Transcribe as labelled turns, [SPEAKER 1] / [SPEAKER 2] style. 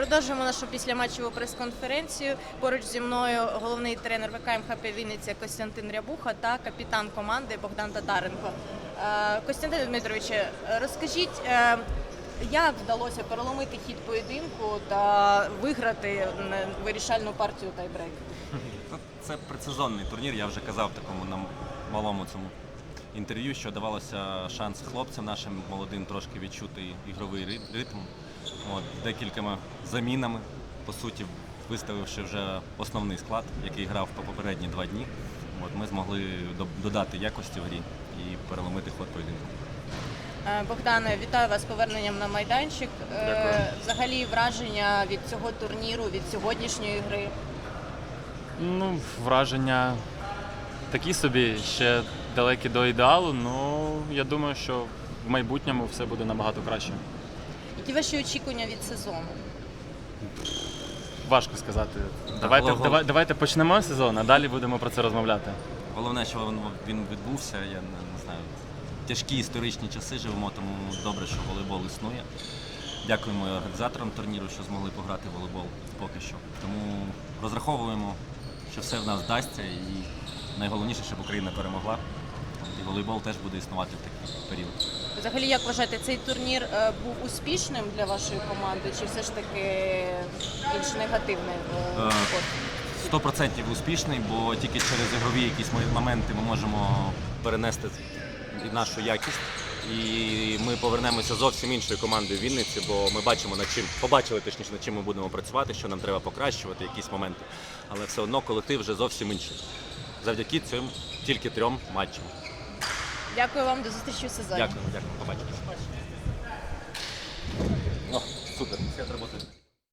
[SPEAKER 1] Продовжуємо нашу післяматчеву прес-конференцію. Поруч зі мною головний тренер ВК МХП Вінниця Костянтин Рябуха та капітан команди Богдан Татаренко. Костянтин Дмитрович, розкажіть, як вдалося переломити хід поєдинку та виграти вирішальну партію тайбрейк?
[SPEAKER 2] Це предсезонний турнір, я вже казав в такому нам малому цьому інтерв'ю, що давалося шанс хлопцям нашим молодим трошки відчути ігровий ритм. Декількома замінами, по суті, виставивши вже основний склад, який грав по попередні 2 дні. Ми змогли додати якості в грі і переломити ход поєдинку.
[SPEAKER 1] Богдане, вітаю вас з поверненням на майданчик.
[SPEAKER 2] Дякую.
[SPEAKER 1] Взагалі враження від цього турніру, від сьогоднішньої гри?
[SPEAKER 3] Враження такі собі, ще далекі до ідеалу, але я думаю, що в майбутньому все буде набагато краще.
[SPEAKER 1] Які ваші очікування від сезону?
[SPEAKER 3] Важко сказати.
[SPEAKER 2] Так,
[SPEAKER 3] Давайте почнемо сезон, а далі будемо про це розмовляти.
[SPEAKER 2] Головне, що він відбувся, я не знаю, тяжкі історичні часи живемо, тому добре, що волейбол існує. Дякуємо організаторам турніру, що змогли пограти в волейбол поки що. Тому розраховуємо, що все в нас вдасться і найголовніше, щоб Україна перемогла. І волейбол теж буде існувати в такий період.
[SPEAKER 1] Взагалі, як вважаєте, цей турнір був успішним для вашої команди, чи все ж таки більш негативний ход?
[SPEAKER 2] 100% успішний, бо тільки через ігрові якісь моменти ми можемо перенести нашу якість. І ми повернемося зовсім іншою командою в Вінниці, бо ми побачили точніше, над чим ми будемо працювати, що нам треба покращувати, якісь моменти. Але все одно колектив вже зовсім інший. Завдяки цим тільки 3 матчам.
[SPEAKER 1] Дякую вам, до зустрічі у сезоні.
[SPEAKER 2] Дякую, побачимось. Супер, все, треба.